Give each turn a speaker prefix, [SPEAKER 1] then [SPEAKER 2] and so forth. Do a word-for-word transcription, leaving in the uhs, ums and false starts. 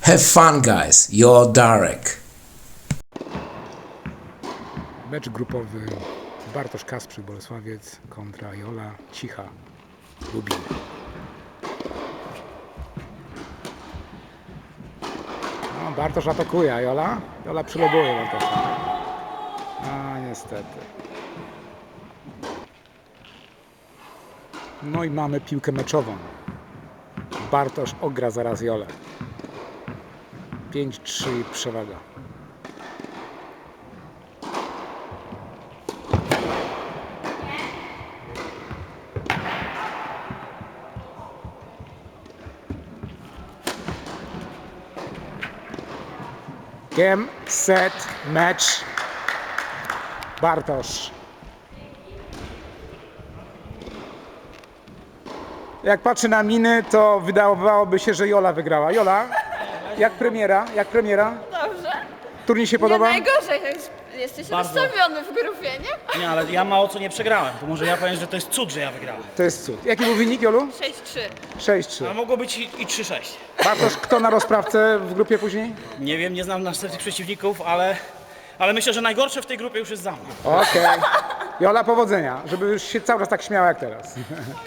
[SPEAKER 1] Have fun, guys. You're Darek.
[SPEAKER 2] Mecz grupowy Bartosz Kasprzyk, Bolesławiec kontra Jola Cicha, Lubin. No, Bartosz atakuje, a Jola? Jola przylobuje Bartosza. A niestety. No i mamy piłkę meczową. Bartosz ogra zaraz Jolę. pięć trzy przewaga. Game, set, match. Bartosz. Jak patrzę na miny, to wydawałoby się, że Jola wygrała. Jola, jak premiera? Jak premiera?
[SPEAKER 3] Dobrze.
[SPEAKER 2] Turniej się
[SPEAKER 3] Nie
[SPEAKER 2] podoba?
[SPEAKER 3] najgorzej, jesteś
[SPEAKER 4] Bardzo.
[SPEAKER 3] rozstawiony w grupie, nie?
[SPEAKER 4] Nie, ale ja mało co nie przegrałem. To może ja powiem, że to jest cud, że ja wygrałem.
[SPEAKER 2] To jest cud. Jaki był wynik, Jolu?
[SPEAKER 3] sześć trzy.
[SPEAKER 2] sześć trzy.
[SPEAKER 4] Ale mogło być i, i trzy sześć.
[SPEAKER 2] Bartosz, kto na rozprawce w grupie później?
[SPEAKER 4] Nie wiem, nie znam następnych przeciwników, ale, ale myślę, że najgorsze w tej grupie już jest za mną.
[SPEAKER 2] Okej. Jola, powodzenia, żeby już się cały czas tak śmiała jak teraz.